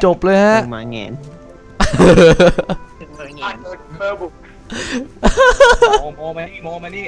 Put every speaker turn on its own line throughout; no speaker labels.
จบเลยฮะ
มาเงี้ย
โมมานี่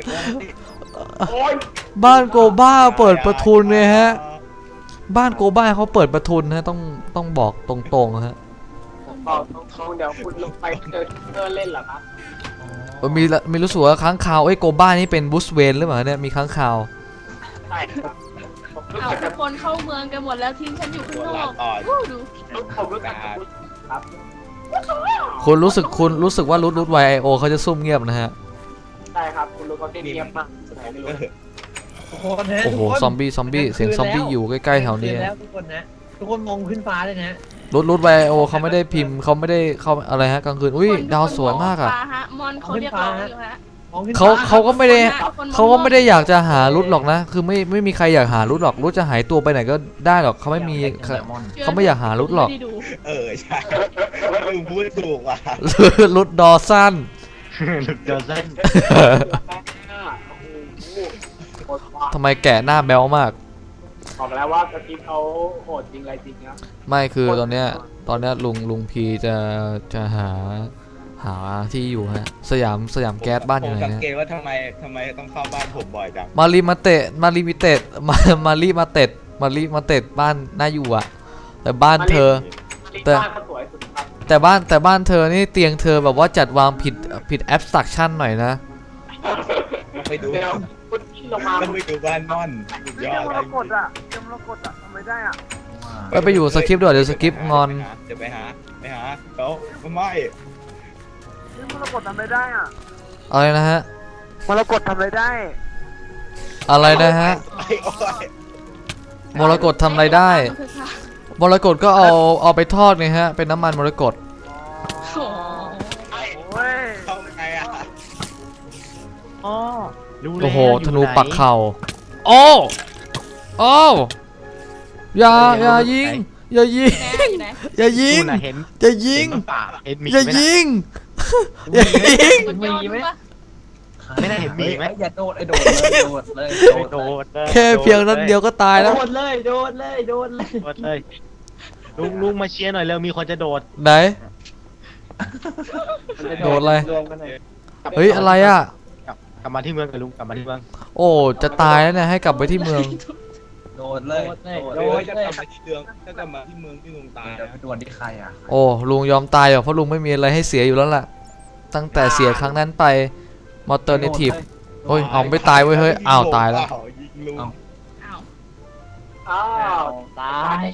บ้านโกบ้าเปิดประทุนเลยฮะบ้านโกบ้าเขาเปิดประทุนนะต้องบอกตรงๆฮะ
บอกตรงๆเดี๋ยวคุณลงไปเล่นเหรอครับ
มีรู้สึกว่าค้างคาวโกบ้านี่เป็นบูสเวนหรือเปล่าเนี่ยมีค้างคาว
ใช่ครับ
ทุกคนเข้าเมืองกันหมดแล้วทิ้งฉันอยู่ข้างนอกดู
ผมรู้จักครับ
คุณรู้สึกว่ารุด YIO เขาจะซุ่มเงียบนะฮะ
ใช่ครับคุณรู้เขาเงียบมาก
โอ้โหซอมบี้เสียงซอมบี้อยู่ใกล้ๆแถวนี้
ทุกคนมองขึ้นฟ้าเลยนะ
รุด YIO เขาไม่ได้พิมพ์เขาไม่ได้เข้าอะไรฮะกลางคืนอุ้ยดาวสวยมากอ่ะ
มอนเขาเรียกร้องอยู่ฮะ
เขาก็ไม่ได้อยากจะหารุดหรอกนะคือไม่มีใครอยากหารุดหรอกรุดจะหายตัวไปไหนก็ได้หรอกเขาไม่อยากหารุดหรอก
ใช่พูดถูกว่ะ
รุดดอสั้นทำไมแกะหน้าแบ๊วมาก
บอกแล้วว่าสกิปเขาโหดจริงอะไรจริงนะ
ไม่คือตอนเนี้ยลุงพีจะหาที่อยู่ฮะสยามแก๊สบ้านอยู่ไหน
สังเกตว่าทำไมต้องเข้าบ้านผมบ่อยจัง
มารีมาเตะบ้านน่าอยู่อะแต่บ้านเธอแต่บ้านเธอนี่เตียงเธอแบบว่าจัดวางผิดแอปสตรัคชั่นหน่อยนะ
ไปดูบ้านม่อน
ยอดเลยมรกตทำไมได้
ไปอยู่สคริปต์ด้วยเดี๋ยวสคริปต์งอน
จะไปหาเขาไม่
มรกตทำไม่ได้
อะไรนะฮะ
มรกตทำอะไรได้
อะไรนะฮะมรกตทำอะไรได้มรกตก็เอาไปทอดไงฮะเป็นน้ำมันมรกตโอ้โหธนูปักเข่าโอ้อย่ายิงอย่ายิงอย่ายิง
ไม่ได้เห็นมีไหมอย่าโดดเลย
แค่เพียงนั้นเดียวก็ตายแล้ว
โดดเลยลุงมาเชียร์หน่อยเร็วมีคนจะโดด
ไหนโดดอะไรเฮ้ยอะไรอ่ะ
กลับมาที่เมืองกับลุงกลับมาที่เมือง
โอ้จะตายแล้วเนี่ยให้กลับไปที่เมือง
โดดเลย
จะกลับมาที่เมืองถ้ากลับมาที่เมืองที่ลุงตาย
โดดที่ใครอ่ะ
โอ้ลุงยอมตายเพราะลุงไม่มีอะไรให้เสียอยู่แล้วล่ะตั้งแต่เสียครั้งนั้นไปมอเตอร์เนทีฟโอ้ยเอาไม่ตายเว้ยเฮ้ยอ้าวตายแล้ว
ตาย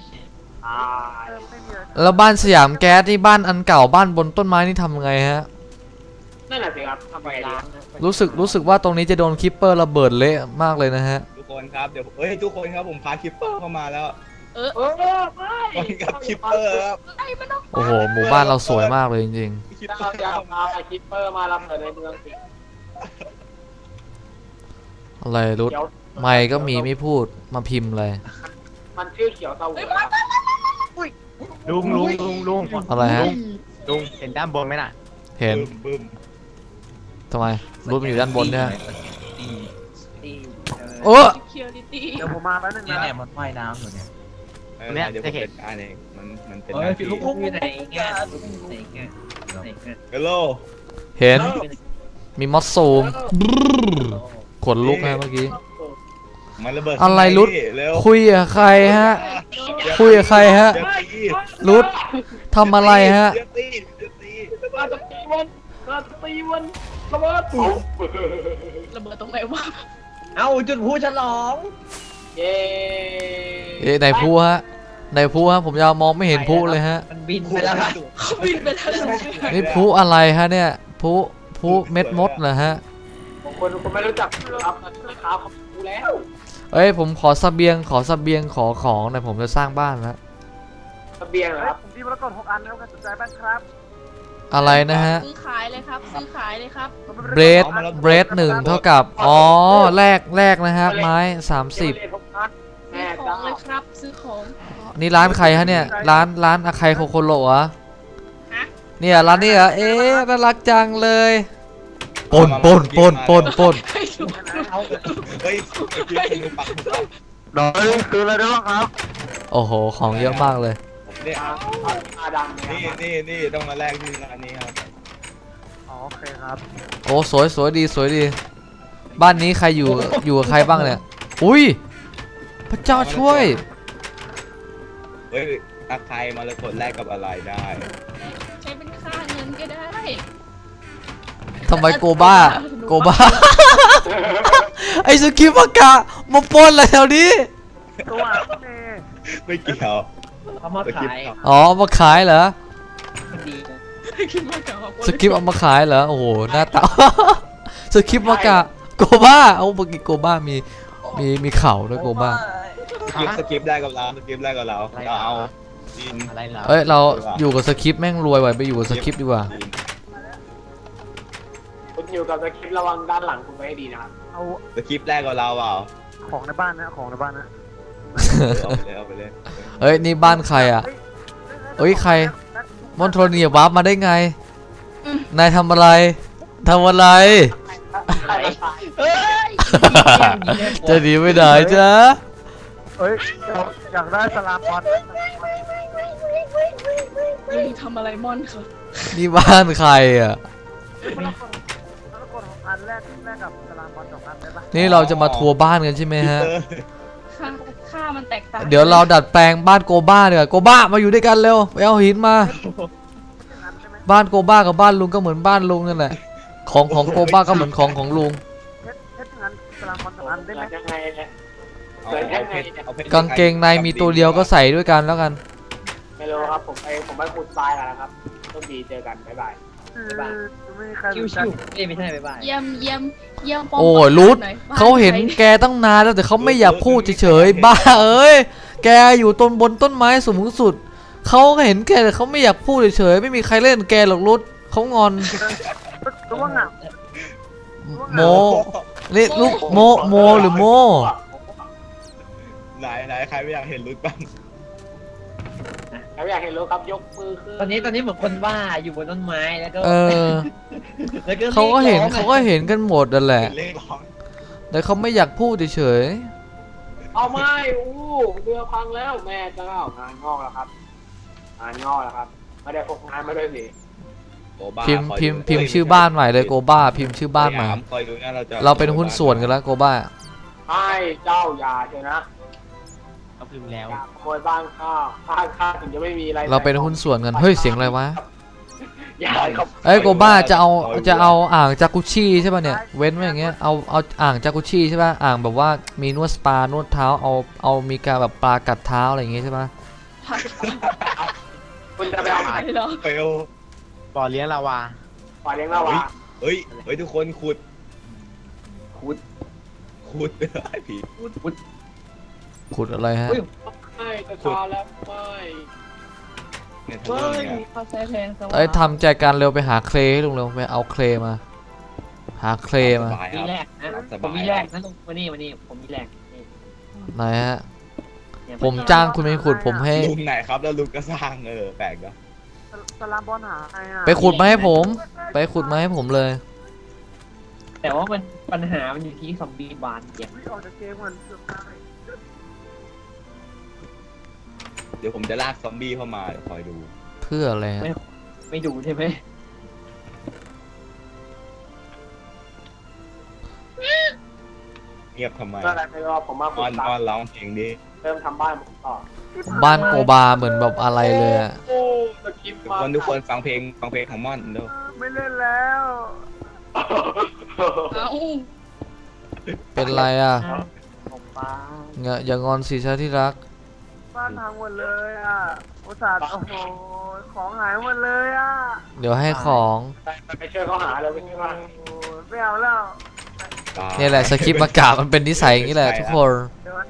แล้วบ้านสยามแก๊สนี่บ้านอันเก่าบ้านบนต้นไม้นี่ทำไงฮะ
นั่นแหละสิครับทำไงดี
รู้สึกว่าตรงนี้จะโดนคิปเปอร์ระเบิดเละมากเลยนะฮะ
ทุกคนครับเดี๋ยวทุกคนครับผมพาคิปเปอร์เข้ามาแล้ว
ไม่
กับคิปเปอร์ครับ
โอ้โหหมู่บ้านเราสวยมากเลยจริง
ๆคิปเปอร์มารับในเมืองสิ
อะไรรุดไม่ก็มีไม่พูดมาพิมพ์เลย
มันชื่อเขียวเตาหัว
ลุง
อะไรฮะ
ลุงเห็นด้านบนไหมน่ะ
เห็นทำไมรุดมันอยู่ด้านบนเนี่ยโอ้
เดี๋ยวผมมาแป๊บนึงนะ
เนี่ยมันว่ายน้ำอยู่เนี่ย
จะเห็นอันเองมันเป็น
ลุงอยู่ไหนเงี้ย
ฮัลโหล
เห็นมีมอสซูมขนลุกนะเมื่อกี้อะไรรุดคุยกับใครฮะรุดทำอะไรฮะ
ตีวันระเบิด
ตรงไหนวะ
เอาจุดพูฉลอง
ไหนพูฮะผมยาวมองไม่เห็นพูเลยฮะ
มันบินไปแล้ว
นี่พูอะไรฮะเนี่ยพูเม็ดมดเหรอฮะ
คนไม่รู้จักครับขาเขาพูแล้ว
ผมขอเสบียงขอของหน่อยผมจะสร้างบ้านแล้ว
เสบียงเหรอครับผมที่มรกต6 อันแล้วกันสนใจบ้างครับ
อะไรนะฮะ
ซื้อขายเลยครับ
เบรด1เท่ากับแรกนะฮะไม้30
ซื้อของเลยครับซื้อของ
นี่ร้านใครฮะเนี่ยร้านอาใครโคโคโร่อะเนี่ยร้านนี้เหรอน่ารักจังเลยปน
เฮ้ย
คืออะไรบ้างครับ
โอ้โหของเยอะมากเลย
เนี่ย
อาดำ
นี่ต้องมาแลกที่ร้านนี้ครับ
อ๋อโอเคครับ
โอ้สวยสวยดีสวยดี บ้านนี้ใครอยู่กับใครบ้างเนี่ยอุ้ยพระเจ้าช่วย
เฮ้ยอาใครมาแล้วกดแลกกับอะไรได้
ใช้เป็นค่าเงินก็ได้
ทำไมโกบ้า ไอ้สกิปกะมาปนอะไรแถวนี้
ตัวเม
ไม่เกี่ยว
เขามาขาย
อ๋อมาขายเหรอ
ดีนะ
คิดว่าจะเอา
สกิปเอามาขายเหรอโอ้โหหน้าตา สกิปมากะโกบ้าเอาเมื่อกี้โกบ้ามีเข่าด้วยโกบ้า
สกิปได้กับเราสกิปได้กับเราเอาดิน
อะไรเหรอ
เอ้ยเราอยู่กับสคริปต์แม่งรวยไว้ไปอยู่กับสคริปต์ดีกว่า
คุณอยู่กับสคริปต์ระวังด้านหลังคุณไว้ให้ดีนะครับ
เอา
สกิปแรกกับเราเปล่า
ของในบ้านนะของในบ้านนะ
เอาไปเลย
เอ้ยนี่บ้านใครอ่ะ เอ้ยใคร มอนโทเนียวาร์ปมาได้ไงนายทำอะไร
เฮ้ย
จะหนีไม่ได้จ้ะ
เอ้ยอยากได้สลามบอล
ทำอะไรม่อนค่ะ
นี่บ้านใครอ่ะ
แล้วกดของอันแรกกับสลามบอล2 อันได้ปะ
นี่เราจะมาทัวร์บ้านกันใช่ไหมฮะ
ค่ามันแตกต่าง
เดี๋ยวเราดัดแปลงบ้านโกบ้าเดี๋ยวาโกบ้ามาอยู่ด้วยกันเร็วไปเอาหินมา บ้านโกบ้ากับบ้านลุงก็เหมือนบ้านลุงนั่นแหละ ของโกบ้าก็เหมือนของลุง
เพชรงั้นสลามบอล2 อันได้ไหม
ยังไงเนี่ย
กางเกงในมีตัวเดียวก็ใส่ด้วยกันแล้วกัน
ไม่รู้ครับผมไปขุดทรายแล้วนะครับโชคดีเจอกันบ๊ายบาย
ไม่มีใคร
ชิว
รู้จัก
ๆไม่ใช่บ๊ายบาย
เยี่ยมปอม
โอ้ยรุดเขาเห็นแกตั้งนานแล้วแต่เขาไม่อยากพูดเฉยๆบ้าเอ้ยแกอยู่ต้นบนต้นไม้สูงสุดเขาก็เห็นแกแต่เขาไม่อยากพูดเฉยๆไม่มีใครเล่นแกหรอกรุดเขางอน
รู้ว่าเหงา
โมนี่ลูกโมหรือโม
ไหนใครไม่อยากเห็นรุดบ้าง
แล้วอยากเห็นรู้ครับยกมือขึ้น
ตอนนี้เหมือนคนบ้าอยู่บนต้นไม้แล้วก็
เออ
แล้วก็
เขาก็เห็นกันหมดนั่นแหละ
เล่นร้อง
แต่เขาไม่อยากพูดเฉย
เอาไม่เรือพังแล้วแม่เจ้างานงอกแล้วครับงานงอกแล้วครับไม่ได้พกงานมาด้วยสิ
ๆพิมพ์ชื่อบ้านใหม่เลยโกบ้าพิมพ์ชื่อบ้านใหม่
คอยดูนะเราจะ
เราเป็นหุ้นส่วนกันแล้วโกบ้า
ให้เจ้าอย่าเถอะนะ
เขาพิมพ์แล้ว
อย่าขโมยบ้านข้าถึงจะไม่มีอะไร
เราเป็นหุ้นส่วนกันเฮ้ยเสียงอะไรวะ
อย่าครับ
เอ้ยโกบ้าจะเอาอ่างจากุชิใช่ป่ะเนี่ยเว้นไว้อย่างเงี้ยเอาอ่างจากุชิใช่ป่ะอ่างแบบว่ามีนวดสปานวดเท้าเอามีการแบบปลากัดเท้าอะไรอย่างเงี้ยใช่ป่ะ
คุณจะไปเอา
ไปเหรอ
เฟล
บ่อเลี้ยงลาวา
ปล่อยเลี้ยงเราวะ
เฮ้ยทุกคนขุดไอ้ผี
ขุดอะไรฮะ
ไม่จะชาแล้วไม่
เนี่ย
เฮ้
ทำ
ย
ไง
เขาใช้แพงส
เอ้ยทำใจการเร็วไปหาเคลให้ลุงเร็วไปเอาเคลมาหาเคลมา
สบายค
มี
รับ
แรกนะผมมีแรกนะลุงวันนี้ผมมีแรกนี่
ไหนฮะ
เนี่ย
ผมจ้างคุณไปขุดผมให้
ลุงไหนครับแล้วลุงก็สร้างแปลกเนาะ
สลามบอลหาใครอ่ะ
ไปขุดมาให้ผมไปขุดมาให้ผมเลย
แต่ว่ามันปัญหามันอยู่ที่ซอมบี้บานเนี่ย
ออกจากเกมเหมือนเกือบได้
เดี๋ยวผมจะลากซอมบี้เข้ามาเดี๋ยวคอยดู
เพื่ออะไรฮะ
ไม่ดูใช่ไหม
เงียบทำไม
ก็อะไรไม่รู้ผมมาขุ
อ้อ
ด
น
ตั
อ้อนร้องเพลงดิ
เริ่มทำบ้านผมต่อ
บ้านโกบาเหมือนแบบอะไรเลยอะ
โอ้สกิป
ทุก
มา
คนฟังเพลงของม่อนเด้อ
ไม่เล่นแล้ว
เอ้า
เป็นไรอะ
ผมบ้า
อย่างอนสิชาที่รัก
บ้านพังหมดเลยอ่ะอุตส่าห์โอ้โหของหายหมดเลยอ่ะ
เดี๋ยวให้ของ
ไปช่วยเขาหาเลยไปช่วยเขาหา
โอ้โหไม่เอาแล้ว
นี่แหละสคริปต์มากามันเป็นนิสัยอย่างนี้แหละทุกคน
เดี๋ยวมัน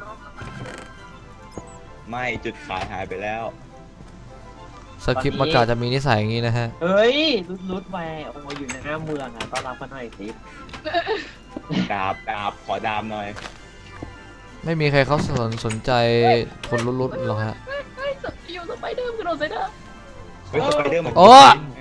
ไม่จุดขายหายไปแล้ว
สคริปต์มากาจะมีนิสัยอย่างนี้นะฮะ
เฮ้ยรุดไปโอ้อยู่ในหน้าเมืองอ่ะต้อนรับมาหน่อยสิ
ดาบขอดาบหน่อย
ไม่มีใครเขาสนใจคนรุดๆหรอกฮะ
เฮ้ยอยู่สไปเดอร์กระโดดใส่เด้อ
เฮ้ยสไปเดอร์มัน
โอ้
ไง